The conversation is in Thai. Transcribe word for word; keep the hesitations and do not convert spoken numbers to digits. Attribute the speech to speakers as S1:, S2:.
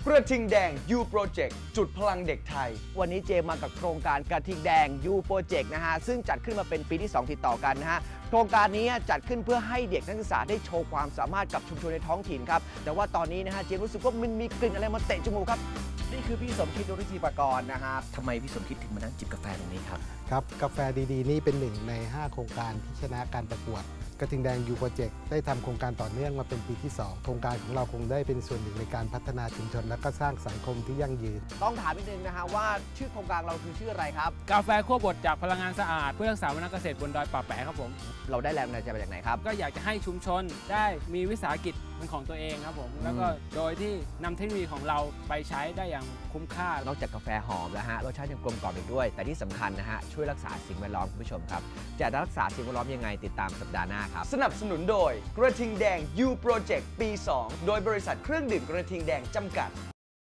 S1: กระทิงแดง U Project จุดพลังเด็กไทย
S2: วันนี้เจมมากับโครงการกระทิงแดง U Project นะฮะซึ่งจัดขึ้นมาเป็นปีที่สองติดต่อกันนะฮะโครงการนี้จัดขึ้นเพื่อให้เด็กนักศึกษาได้โชว์ความสามารถกับชุมชนในท้องถิ่นครับแต่ว่าตอนนี้นะฮะเจมรู้สึกว่ามันมีกลิ่นอะไรมาเตะจมูกครับนี่คือพี่สมคิด รุจิปกรณ์นะครับทำไมพี่สมคิดถึงมานั่งจิบกาแฟตรงนี้ครับ
S3: ครับกาแฟดีๆนี่เป็นหนึ่งในห้าโครงการที่ชนะการประกวดกระทิงแดง U Project ได้ทำโครงการต่อเนื่องมาเป็นปีที่สองโครงการของเราคงได้เป็นส่วนหนึ่งในการพัฒนาชุมชนและก็สร้างสังคมที่ยั่งยืน
S2: ต้องถามนิดนึงนะฮะว่าชื่อโครงการเราคือชื่ออะไรครับ
S4: กาแฟคั่วบดจากพลังงานสะอาดเพื่อรักษาวัฒนเกษตรบนดอยป่าแปะครับผม
S2: เราได้แรงบันดาลใจมาจากไหนครับ
S4: ก็อยากจะให้ชุมชนได้มีวิสาหกิจเป็นของตัวเองครับผมแล้วก็โดยที่นำเทคโนโลยีของเราไปใช้ได้อย่างคุ้มค่าน
S2: อกจากกาแฟหอมแล้วฮะรสชาติยังกลมกล่อมอีกด้วยแต่ที่สำคัญนะฮะช่วยรักษาสิ่งแวดล้อมคุณผู้ชมครับจะรักษาสิ่งแวดล้อมยังไงติดตามสัปดาห์หน้าครับ
S1: สนับสนุนโดยกระทิงแดง U Project ปี สอง โดยบริษัทเครื่องดื่มกระทิงแดงจำกัด